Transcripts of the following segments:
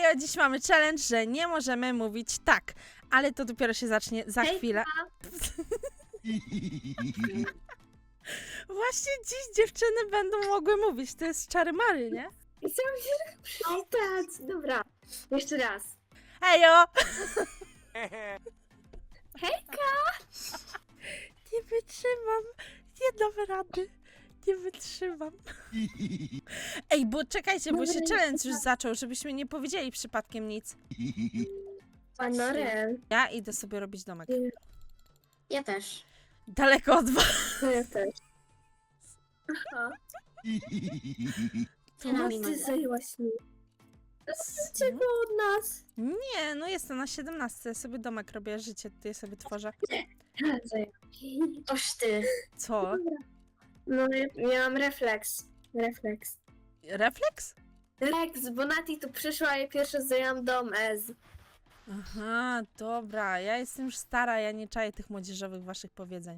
Hejo, dziś mamy challenge, że nie możemy mówić tak, ale to dopiero się zacznie za chwilę. Właśnie dziś dziewczyny będą mogły mówić, to jest czary-mary, nie? Chciałam się przywitać. Dobra, jeszcze raz. Hejo! Hejka! Nie wytrzymam, nie dam rady, nie wytrzymam. Ej, bo czekajcie, bo się challenge już zaczął, żebyśmy nie powiedzieli przypadkiem nic. Panorel. Ja idę sobie robić domek. Ja też. Daleko od was. No ja też. Aha. No ty zajęłaś mi. Czego od nas? Nie, no jestem na 17, ja sobie domek robię, życie tutaj sobie tworzę. Toż ty. Co? No ja miałam refleks. Refleks. Refleks? Refleks, bo Nati tu przyszła i pierwsze zajęłam dom Ez. Aha, dobra, ja jestem już stara, ja nie czaję tych młodzieżowych waszych powiedzeń.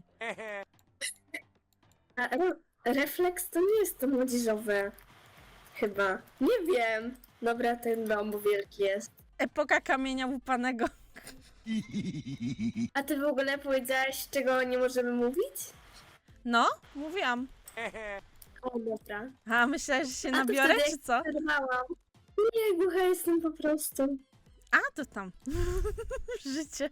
A refleks to nie jest to młodzieżowe. Chyba. Nie wiem. Dobra, ten dom, bo wielki jest. Epoka kamienia łupanego. A ty w ogóle powiedziałaś, czego nie możemy mówić? No, mówiłam. O, dobra. A, myślałeś, że się A to nabiorę, wtedy czy co? Przerwałam. Nie, głucha jestem po prostu. A, to tam. Życie.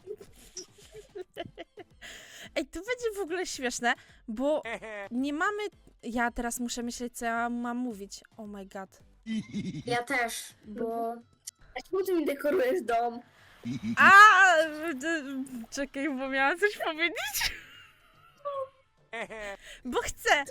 Ej, to będzie w ogóle śmieszne, bo nie mamy... Ja teraz muszę myśleć, co ja mam mówić. Oh my god. Ja też, bo... A czemu ty mi dekorujesz dom? A, czekaj, bo miałam coś powiedzieć. Bo chcę.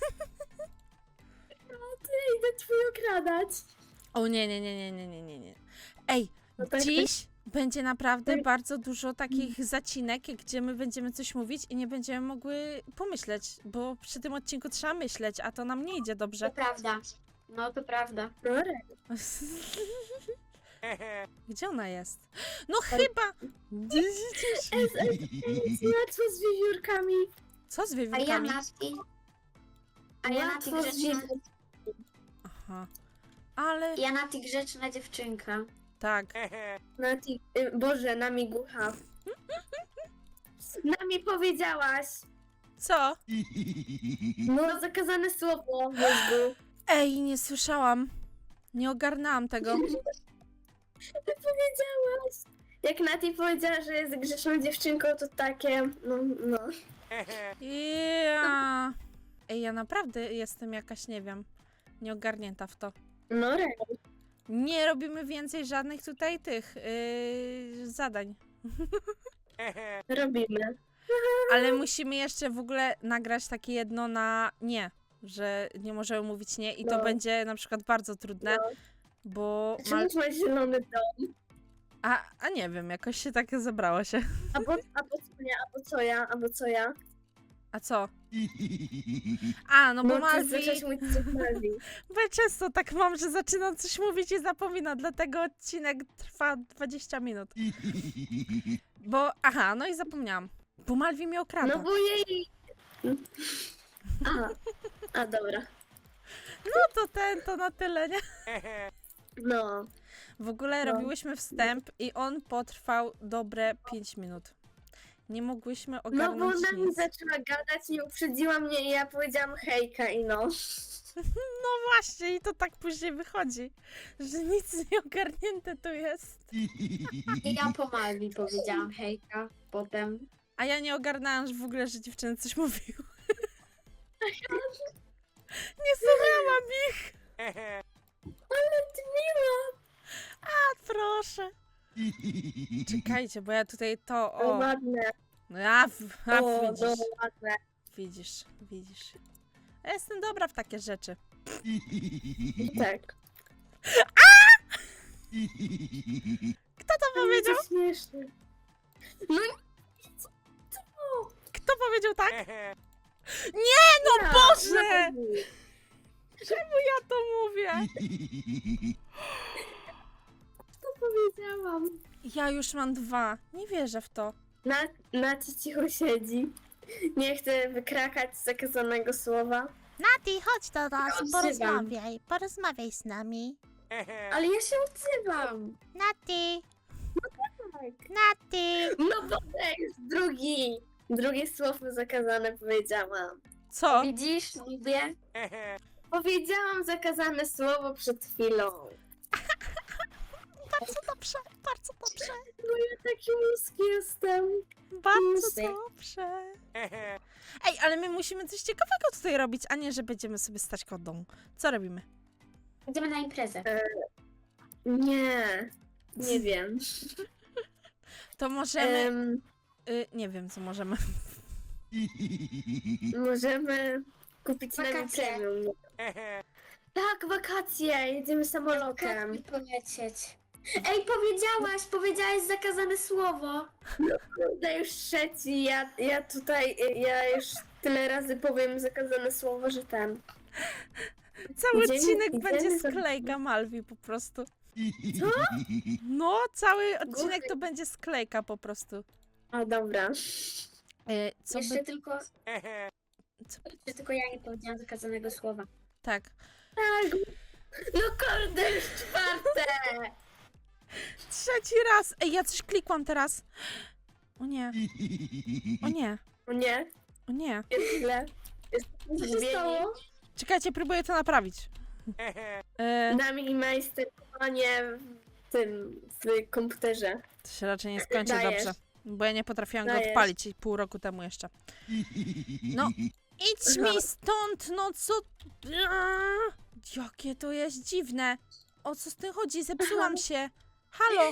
Ty, idę twój okradać. O nie, nie, nie, nie, nie, nie, nie, nie. Ej, No to dziś będzie naprawdę bardzo dużo takich zacinek, gdzie my będziemy coś mówić i nie będziemy mogły pomyśleć, bo przy tym odcinku trzeba myśleć, a to nam nie idzie To dobrze. prawda. No to prawda. Gdzie ona jest? No chyba! Łatwo z wiewiórkami. Co z A ja wiewiórkami? Nati... A ja Nati Łatwo z grzeczna... Aha. Ale Ja Nati grzeczna dziewczynka. tak. Nati, Boże, nami głucha. Nami powiedziałaś. Co? No, zakazane słowo w mózgu. Ej, nie słyszałam. Nie ogarnęłam tego. Ty powiedziałaś. Jak Nati powiedziała, że jest grzeszną dziewczynką, to takie, no. Ja. Ej, ja naprawdę jestem jakaś, nie wiem, nieogarnięta w to. No, Nie robimy więcej żadnych tutaj tych zadań. robimy. Ale musimy jeszcze w ogóle nagrać takie jedno na nie, że nie możemy mówić nie i to No. będzie na przykład bardzo trudne, No. bo... Czemu masz zielony dom? A nie wiem, jakoś się tak zebrało się. Albo co ja? A co? A, no bo Ty Malwi... zaczęłaś mówić co Malwi. Bo ja często tak mam, że zaczynam coś mówić i zapominam, dlatego odcinek trwa 20 minut. Bo, aha, no i zapomniałam. Bo Malwi mnie okrada. No bo jej... Aha, a dobra. No to na tyle, nie? No. W ogóle No. robiłyśmy wstęp i on potrwał dobre 5 minut. Nie mogłyśmy No bo ogarnąć ona mi nic. zaczęła gadać i uprzedziła mnie i ja powiedziałam hejka i no. No właśnie, i to tak później wychodzi, że nic nie ogarnięte tu jest. I ja po Malwi powiedziałam hejka. Potem... A ja nie ogarnęłam że w ogóle, że dziewczyny coś mówiły. Nie słuchałam ich. Ale ty miła. A proszę. Czekajcie, bo ja tutaj to, No o. ładne. No ja, O, no widzisz, ładne. widzisz. Ja jestem dobra w takie rzeczy. Tak. Kto to powiedział? To śmieszne. No Kto powiedział tak? Nie, no Boże! Czemu ja to mówię? Co powiedziałam? Ja już mam 2. Nie wierzę w to. Naci cicho siedzi. Nie chcę wykrakać zakazanego słowa. Nati, chodź do nas, Odzywam. porozmawiaj z nami. Ale ja się odzywam. Nati, Tak. Nati. No bo to jest drugie słowo zakazane powiedziałam. Co? Widzisz, lubię. Powiedziałam zakazane słowo przed chwilą. Bardzo dobrze, bardzo dobrze. No ja taki mózg jestem. Bardzo Musy. dobrze. Ej, ale my musimy coś ciekawego tutaj robić, a nie, że będziemy sobie stać koło domu. Co robimy? Idziemy na imprezę. Nie wiem. To możemy... nie wiem, co możemy. Możemy kupić na Wakacje. premium. Tak, wakacje, jedziemy samolotem. I polecieć. Ej, powiedziałaś zakazane słowo. Kurde, już trzeci, ja już tyle razy powiem zakazane słowo, że ten. Cały Idziemy- odcinek idziemy będzie za- sklejka Malwi po prostu. Co? No, cały odcinek Głupie. to będzie sklejka po prostu. O, dobra. Co Jeszcze by... tylko... Jeszcze tylko ja nie powiedziałam zakazanego słowa. Tak. Tak. No kurde, już czwarte. Trzeci raz! Ej, ja coś klikłam teraz. O nie. O nie. O nie, O nie. jest źle. Jest Co się stało? Czekajcie, próbuję to naprawić. Nami majsterkowanie w komputerze. To się raczej nie skończy Dajesz. dobrze. Bo ja nie potrafiłam go Dajesz. odpalić pół roku temu jeszcze. No, idź mi stąd, no co... Jakie to jest dziwne. O co z tym chodzi? Zepsułam się. Halo,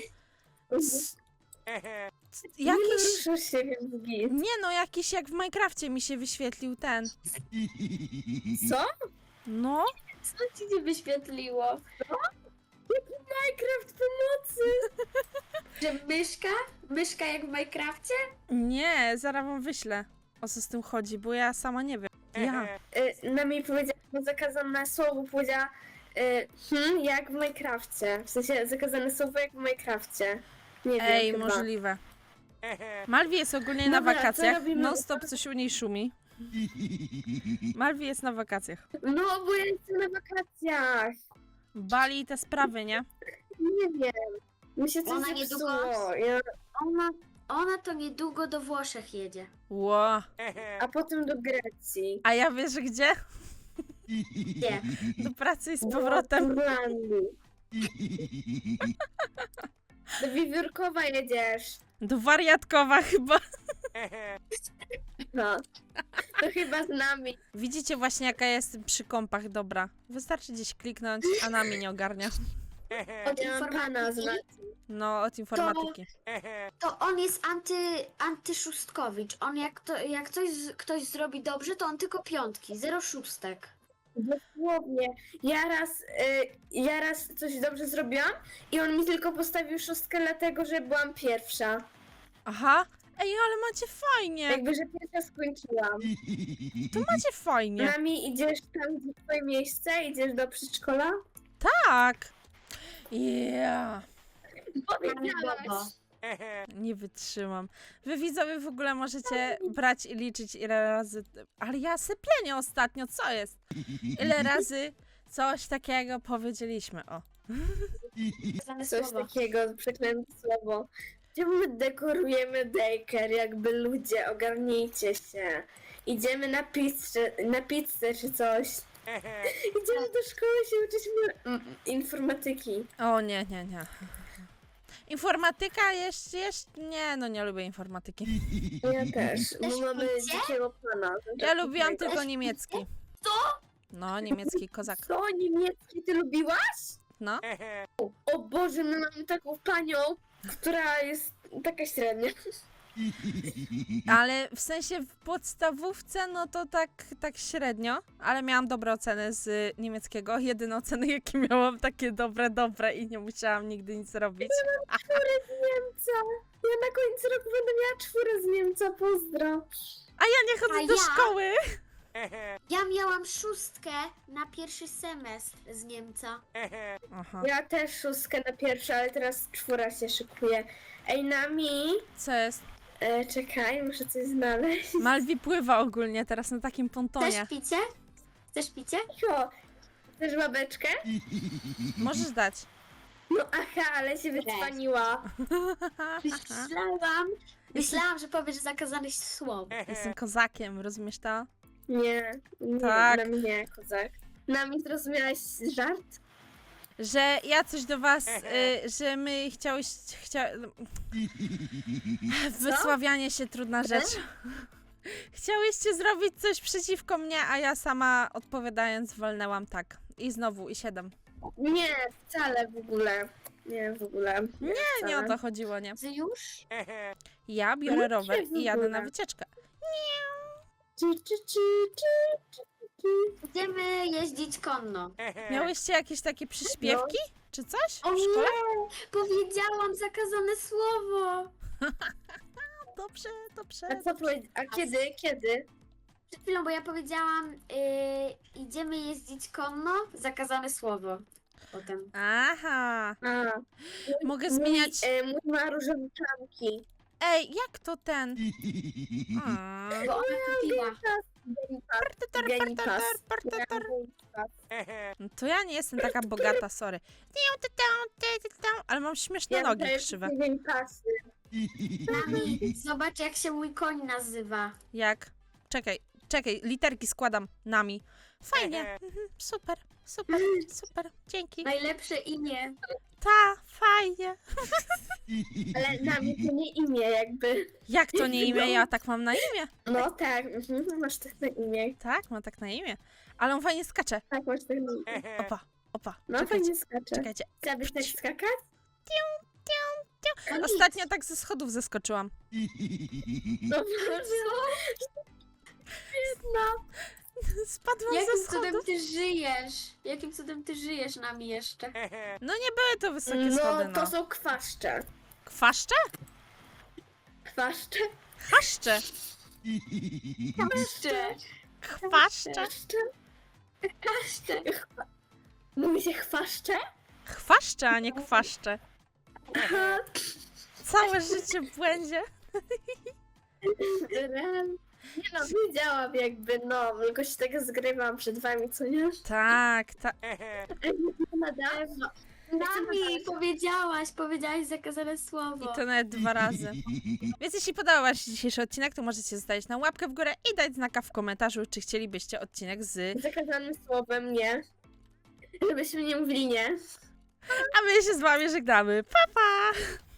Nie jakiś... ruszył się, więc git. Nie no, jakiś jak w Minecrafcie mi się wyświetlił ten. Co? No, Co ci nie wyświetliło? Minecraft pomocy! Że myszka? Myszka jak w Minecrafcie? nie, zaraz wam wyślę. O co z tym chodzi, bo ja sama nie wiem. Ja. Nami powiedziała zakazane słowo, powiedziała jak w Minecrafcie. W sensie zakazane słowo jak w Minecrafcie. Nie wiem Ej, chyba. możliwe. Malwi jest ogólnie na Dobra, co wakacjach. robimy? Non stop coś u niej szumi. Malwi jest na wakacjach. No, bo ja jestem na wakacjach. Bali i te sprawy, nie? Nie wiem. Mi się coś Ona zepsuło. niedługo- Ja, Ona to niedługo do Włoszech jedzie. Ło. a potem do Grecji. A ja wiesz gdzie? Gdzie? Do pracy i z Do powrotem. Irlandii. Do Wiewiórkowa jedziesz. Do wariatkowa chyba. No. To chyba z nami. Widzicie właśnie jaka jest przy kompach dobra. Wystarczy gdzieś kliknąć, a nami nie ogarnia. Od Ja mam pana z informatyki? nami. No, od informatyki. To on jest antyszustkowicz. On jak ktoś zrobi dobrze, to on tylko piątki, 0 szóstek. Dosłownie. Ja raz coś dobrze zrobiłam i on mi tylko postawił szóstkę dlatego, że byłam pierwsza. Aha. Ej, ale macie fajnie. Jakby, że pierwsza skończyłam. To macie fajnie. Nami idziesz tam, gdzie twoje miejsce? Idziesz do przedszkola? Tak. Yeah. Powiedziałaś. Nie wytrzymam. Wy widzowie w ogóle możecie brać i liczyć ile razy... Ale ja syplenię ostatnio, co jest? Ile razy coś takiego powiedzieliśmy, o. Znane Coś słowo. takiego, przeklęte słowo. Czemu my dekorujemy daycare, jakby ludzie, ogarnijcie się. Idziemy na pizzę czy coś. Idziemy do szkoły się uczyć informatyki. O nie. Informatyka jeszcze... Nie, no nie lubię informatyki. Ja też, bo mamy picie? dzikiego pana. Ja lubiłam tylko niemiecki. Co? No, niemiecki kozak. Co, niemiecki ty lubiłaś? No. O Boże, my mamy taką panią, która jest taka średnia. Ale w sensie w podstawówce, no to tak średnio, ale miałam dobre oceny z niemieckiego. Jedyne oceny, jakie miałam, takie dobre i nie musiałam nigdy nic robić. Czwórę z Niemca. Ja na końcu roku będę miała czwórę z Niemca, pozdro. A ja nie chodzę A do ja? szkoły. Ja miałam szóstkę na pierwszy semestr z Niemca. Aha. Ja też szóstkę na pierwsze, ale teraz czwóra się szykuje. Ej, Nami, Co jest? czekaj, muszę coś znaleźć. Malwi pływa ogólnie teraz na takim pontonie. Chcesz picie? Chcesz picie? Jo, Chcesz babeczkę? Możesz dać. No aha, ale się wycwaniła. Myślałam, że powiesz zakazane słowo. Jestem kozakiem, rozumiesz to? Nie, nie, Tak. na mnie, kozak. Na mnie zrozumiałaś żart? Że ja coś do was, że my Wysławianie się trudna rzecz. Chciałyście zrobić coś przeciwko mnie, a ja sama odpowiadając walnęłam tak. I znowu, i 7. Nie, wcale w ogóle. Nie, w ogóle. Nie o to chodziło, nie. Ty już? Ja biorę rower w i jadę ogóle. na wycieczkę. Idziemy jeździć konno. Miałyście jakieś takie przyśpiewki? Czy coś O w szkole? nie! Powiedziałam zakazane słowo! Dobrze, dobrze. A co a kiedy? Kiedy? Przed chwilą, bo ja powiedziałam idziemy jeździć konno, zakazane słowo. Potem. Aha. A, Mogę zmieniać... mój ma różowe plamki. Ej, jak to ten? Bo ona kupiła. Genipas. No to ja nie jestem taka bogata, sorry. Ale mam śmieszne nogi krzywe. Genipasy. Nami, zobacz jak się mój koń nazywa. Jak? Czekaj, literki składam nami. Fajnie. Super, super, super. Dzięki. Najlepsze imię. Ta, fajnie. Ale na mnie to nie imię jakby. Jak to nie imię? Ja tak mam na imię. No tak, masz tak na imię. Tak, mam tak na imię. Ale on fajnie skacze. Tak, masz tak na imię. Opa, opa. No Czekajcie, fajnie skacze. czekajcie. Chciałabyś tak skakać? No nic. Ostatnio tak ze schodów zeskoczyłam. No może. No. Spadłam ze Jakim cudem schodów. ty żyjesz? Jakim cudem ty żyjesz nami jeszcze? No nie były to wysokie schody, No, to no. są kwaszcze. Kwaszcze? Kwaszcze? Chaszcze. Jeszcze. Chwaszcze. Kwaszcze? Jeszcze. Mówi się chwaszcze? Chwaszcze, a nie kwaszcze. Aha. Całe życie w błędzie. Nie no, wiedziałam jakby, no, tylko się tak zgrywam przed wami, co nie? Tak, tak. Na dawno. Nami powiedziałaś zakazane słowo. I to nawet 2 razy. Więc jeśli podobał wam się dzisiejszy odcinek, to możecie zostawić na łapkę w górę i dać znaka w komentarzu, czy chcielibyście odcinek z... Zakazanym słowem nie. Żebyśmy nie mówili nie. A my się z wami żegnamy. Pa, pa!